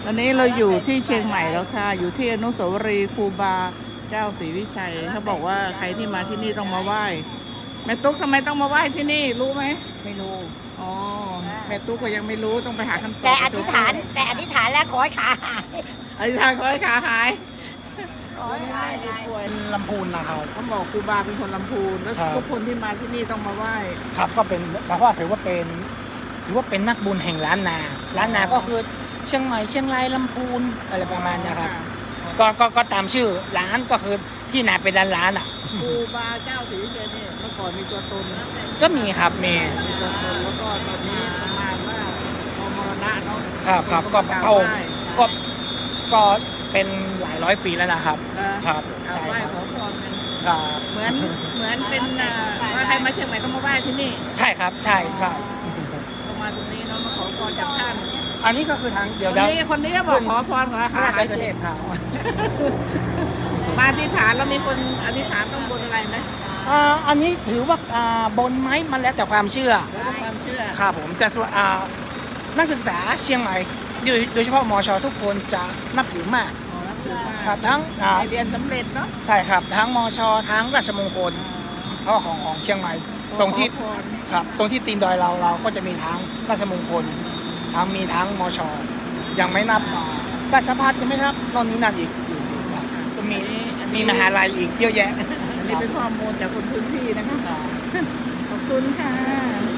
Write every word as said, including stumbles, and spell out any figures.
ตอนนี้เราอยู่ที่เชียงใหม่แล้วค่ะ อยู่ที่อนุสาวรีย์ครูบาเจ้าศรีวิชัยเขาบอกว่าใครที่มาที่นี่ต้องมาไหว้แม่ตุ๊กทำไมต้องมาไหว้ที่นี่รู้ไหมไม่รู้อ๋อแม่ตุ๊กก็ยังไม่รู้ต้องไปหาคำตอบแต่อธิษฐานแต่อธิษฐานแล้วขอให้ขาหายอธิษฐานขอให้ขาหายขอให้ขาหายป่วยลำพูนนะครับเขาบอกครูบาเป็นคนลำพูนแล้วครับทุกคนที่มาที่นี่ต้องมาไหว้ครับก็เป็นเพราะว่าถือว่าเป็นถือว่าเป็นนักบุญแห่งล้านนาล้านนาก็คือเชียงใหม่เชียงรายลำพูนอะไรประมาณเนี้ยครับก็ก็ก็ตามชื่อร้านก็คือที่นาเป็นร้านร้านๆอ่ะครูบาเจ้าศรีวิชัยเนี่ยเมื่อก่อนมีตัวตนนะก็มีครับมีมีตัวตนแล้วก็ตอนนี้ประมาณว่าพอมรณะเนาะครับครับก็นพระองค์ไหว้ก็ก็เป็นหลายร้อยปีแล้วนะครับเออครับเอาใช่ไหว้ครับขอพรกันครับเหมือนเหมือนเป็นอ่าว่าใครมาเชียงใหม่ต้องมาไหว้ที่นี่ใช่ครับใช่ใช่ต้องมาตรงนี้เนาะมาขอพรจากท่านอันนี้ก็คือทางเดี๋ยวคนเดี๋ยวนี้คนนี้ก็บอกขอพรขอพระหาราชหายเทพครับมาอธิษฐานแล้วมีคนอธิษฐานต้องบนอะไรไหมอ่าอันนี้ถือว่าอ่าบนไม้มันแล้วแต่ความเชื่อแล้วก็ความเชื่อครับผมแต่ส่วนอ่านักศึกษาเชียงใหม่โดยโดยเฉพาะมอชอทุกคนจะนับถือมากขอรับถือมาครับทั้งอ่าให้เรียนสำเร็จเนาะใช่ครับทั้งมอชอทั้งราชมงคลเพราะว่าของของเชียงใหม่ตรงที่ขอพรครับตรงที่ตีนดอยเราเราก็จะมีทั้งราชมงคลทั้งมีทั้งมอชอยังไม่นับอ่าราชภัฏยังไม่นับนนนี้นั่นอีกอยู่อีกครับก็มีอันมีนี้มหาลัยอีกเยอะแยะอันนี้เป็นข้อมูลจากคนพื้นที่นะคะขอบคุณค่ะ